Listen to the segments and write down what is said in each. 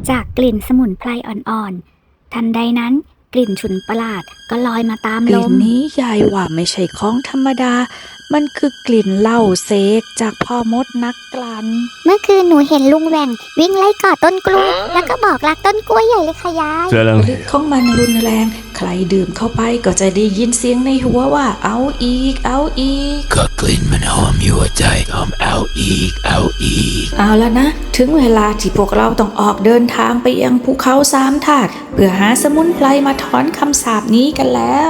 จากกลิ่นสมุนไพรอ่อนๆทันใดนั้นกลิ่นฉุนประหลาดก็ลอยมาตามลมกลิ่นนี้ยายว่าไม่ใช่ของธรรมดามันคือกลิ่นเหล้าเสกจากพ่อมดนักกลั่นเมื่อคืนหนูเห็นลุงแหว่งวิ่งไล่กอดต้นกล้วยแล้วก็บอกรักต้นกล้วยใหญ่เลยค่ะยายฤทธิ์ของมันรุนแรงใครดื่มเข้าไปก็จะได้ยินเสียงในหัวว่าเอาอีกเอาอีกก็กลิ่นมันหอมอยู่ใจหอมเอาอีกเอาอีกเอาแล้วนะถึงเวลาที่พวกเราต้องออกเดินทางไปยังภูเขาสามธาตุเพื่อหาสมุนไพรมาถอนคำสาปนี้กันแล้ว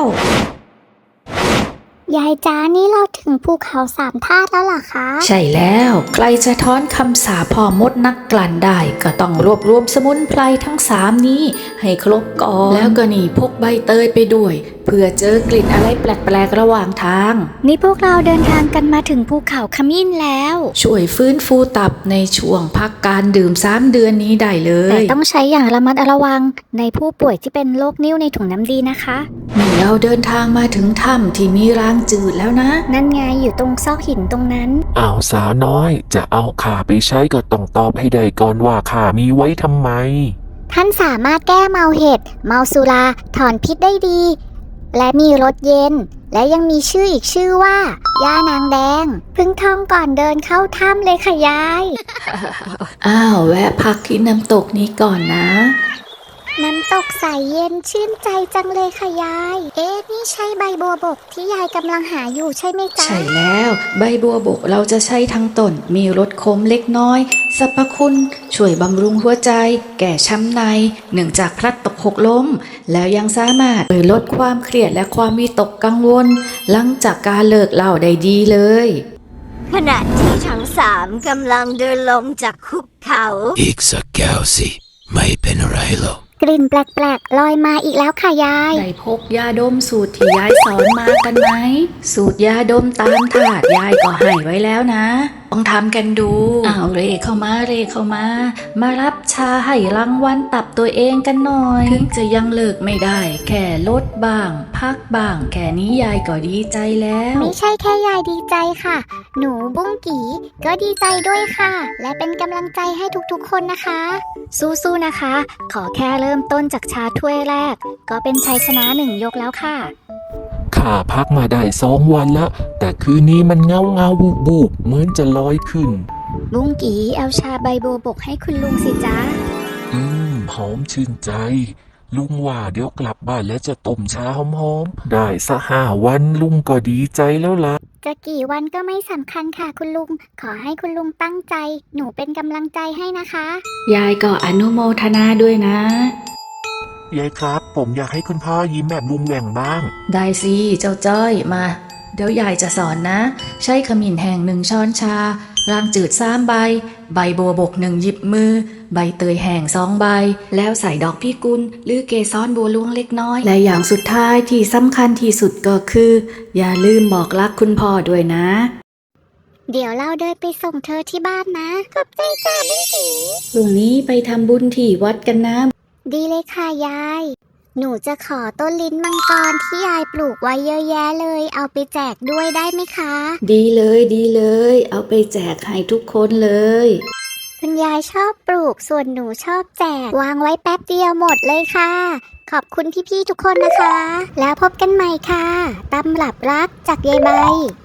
ยายจ้านี่เราถึงภูเขาสามธาตุแล้วเหรอคะใช่แล้วใครจะถอนคำสาปพ่อมดนักกลั่นได้ก็ต้องรวบรวมสมุนไพรทั้ง3นี้ให้ครบก่อนแล้วก็นี่พกใบเตยไปด้วยเพื่อเจอกลิ่นอะไรแปลกๆระหว่างทางนี่พวกเราเดินทางกันมาถึงภูเขาขมิ้นแล้วช่วยฟื้นฟูตับในช่วงพักการดื่ม3เดือนนี้ได้เลยแต่ต้องใช้อย่างระมัดระวังในผู้ป่วยที่เป็นโรคนิ่วในถุงน้ำดีนะคะนี่เราเดินทางมาถึงถ้ำที่มีรางจืดแล้วนะนั่นไงอยู่ตรงซอกหินตรงนั้นอ้าวสาวน้อยจะเอาข่าไปใช้ก็ต้องตอบให้ได้ก่อนว่าข่ามีไว้ทำไมท่านสามารถแก้เมาเห็ดเมาสุราถอนพิษได้ดีและมีรสเย็นและยังมีชื่ออีกชื่อว่าย่านางแดงเพิ่งท่องก่อนเดินเข้าถ้ำเลยค่ะยายอ้าวแวะพักที่น้ำตกนี้ก่อนนะน้ำตกใสเย็นชื่นใจจังเลยค่ะยายนี่ใช่ใบบัวบกที่ยายกำลังหาอยู่ใช่ไหมจ๊ะใช่แล้วใบบัวบกเราจะใช้ทั้งต้นมีรสขมเล็กน้อยสรรพคุณช่วยบำรุงหัวใจแก่ช้ำในเนื่องจากพลัดตกหกล้มแล้วยังสามารถลดความเครียดและความวิตกกังวลหลังจากการเลิกเหล้าได้ดีเลยขณะที่ทั้ง3กำลังเดินลงจากหุบเขาอีกสักแก้วสิไม่เป็นไรหรอกกลิ่นแปลกๆลอยมาอีกแล้วค่ะยายได้พกยาดมสูตรที่ยายสอนมากันไหมสูตรยาดมตามถาดยายก็ให้ไว้แล้วนะต้องทำกันดูเรเข้ามามารับชาให้รางวัลตับตัวเองกันหน่อยถึงจะยังเลิกไม่ได้แค่ลดบ้างพักบ้างแค่นี้ยายก็ดีใจแล้วไม่ใช่แค่ยายดีใจค่ะหนูบุ้งกี่ก็ดีใจด้วยค่ะและเป็นกำลังใจให้ทุกๆคนนะคะสู้ๆนะคะขอแค่เริ่มต้นจากชาถ้วยแรกก็เป็นชัยชนะ1 ยกแล้วค่ะข้าพักมาได้2 วันละแต่คืนนี้มันเงาบูบเหมือนจะลอยขึ้นลุงกีเอาชาใบบัวบกให้คุณลุงสิจ๊ะหอมชื่นใจลุงว่าเดี๋ยวกลับบ้านแล้วจะต้มชาหอมๆได้สัก5 วันลุงก็ดีใจแล้วล่ะจะกี่วันก็ไม่สำคัญค่ะคุณลุงขอให้คุณลุงตั้งใจหนูเป็นกำลังใจให้นะคะยายก็อนุโมทนาด้วยนะยายครับผมอยากให้คุณพ่อยิ้มแบบลุงแหว่งบ้างได้สิเจ้าจ้อยมาเดี๋ยวยายจะสอนนะใช้ขมิ้นแห้ง1 ช้อนชารางจืด3 ใบใบบัวบก1 หยิบมือใบเตยแห้ง2 ใบแล้วใส่ดอกพิกุลหรือเกสรบัวหลวงเล็กน้อยและอย่างสุดท้ายที่สำคัญที่สุดก็คืออย่าลืมบอกรักคุณพ่อด้วยนะเดี๋ยวเราเดินไปส่งเธอที่บ้านนะขอบใจจ้าบุ้งกีพรุ่งนี้ไปทำบุญที่วัดกันนะดีเลยค่ะยายหนูจะขอต้นลิ้นมังกรที่ยายปลูกไว้เยอะแยะเลยเอาไปแจกด้วยได้ไหมคะดีเลยเอาไปแจกให้ทุกคนเลยคุณยายชอบปลูกส่วนหนูชอบแจกวางไว้แป๊บเดียวหมดเลยค่ะขอบคุณพี่ๆทุกคนนะคะแล้วพบกันใหม่ค่ะตำรับรักจากยายใบ